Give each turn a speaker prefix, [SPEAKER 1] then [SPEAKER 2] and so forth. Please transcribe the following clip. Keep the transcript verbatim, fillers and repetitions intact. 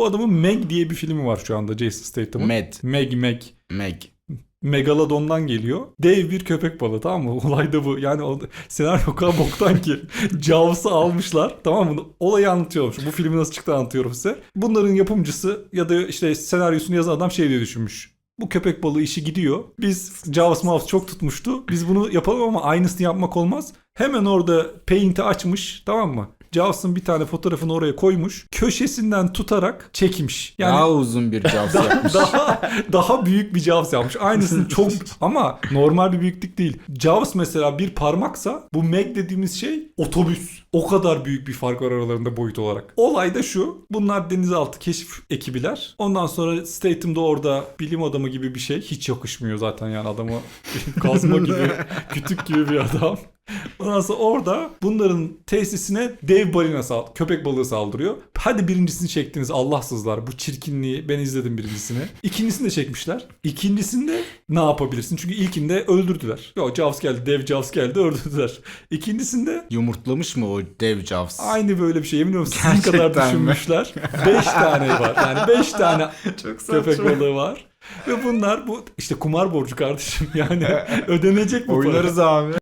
[SPEAKER 1] Bu adamın Meg diye bir filmi var şu anda Jason Statham'ın.
[SPEAKER 2] Med.
[SPEAKER 1] Meg, Meg.
[SPEAKER 2] Meg.
[SPEAKER 1] Megalodon'dan geliyor. Dev bir köpek balığı, tamam mı? Olay da bu. Yani o, senaryo o kadar boktan ki. Jaws'ı almışlar, tamam mı? Olayı anlatıyorum. Bu filmi nasıl çıktı anlatıyorum size. Bunların yapımcısı ya da işte senaryosunu yazan adam şey diye düşünmüş. Bu köpek balığı işi gidiyor. Biz Jaws Mouse çok tutmuştu. Biz bunu yapalım ama aynısını yapmak olmaz. Hemen orada Paint'i açmış, tamam mı? Jaws'ın bir tane fotoğrafını oraya koymuş. Köşesinden tutarak çekmiş. Yani
[SPEAKER 2] Daha uzun bir Jaws
[SPEAKER 1] daha,
[SPEAKER 2] yapmış.
[SPEAKER 1] daha daha büyük bir Jaws yapmış. Aynısını çok ama normal bir büyüklük değil. Jaws mesela bir parmaksa bu Meg dediğimiz şey otobüs. O kadar büyük bir fark var aralarında boyut olarak. Olay da şu. Bunlar denizaltı keşif ekibiler. Ondan sonra Statham da orada bilim adamı gibi bir şey. Hiç yakışmıyor zaten yani adamı kazma gibi, kütük gibi bir adam. Ondan sonra orada bunların tesisine dev balina sal köpek balığı saldırıyor. Hadi birincisini çektiniz Allahsızlar. Bu çirkinliği ben izledim birincisini. İkincisini de çekmişler. İkincisinde ne yapabilirsin? Çünkü ilkinde öldürdüler. Yok Jaws geldi, dev Jaws geldi, öldürdüler. İkincisinde
[SPEAKER 2] Yumurtlamış mı o dev Jaws?
[SPEAKER 1] aynı böyle bir şey. Emin olun sizin
[SPEAKER 2] Gerçekten
[SPEAKER 1] kadar düşünmüşler. Beş tane var. Yani beş tane
[SPEAKER 2] Çok
[SPEAKER 1] köpek balığı var. Ve bunlar bu işte kumar borcu kardeşim. Yani ödenecek bu para.
[SPEAKER 2] Oynarız abi.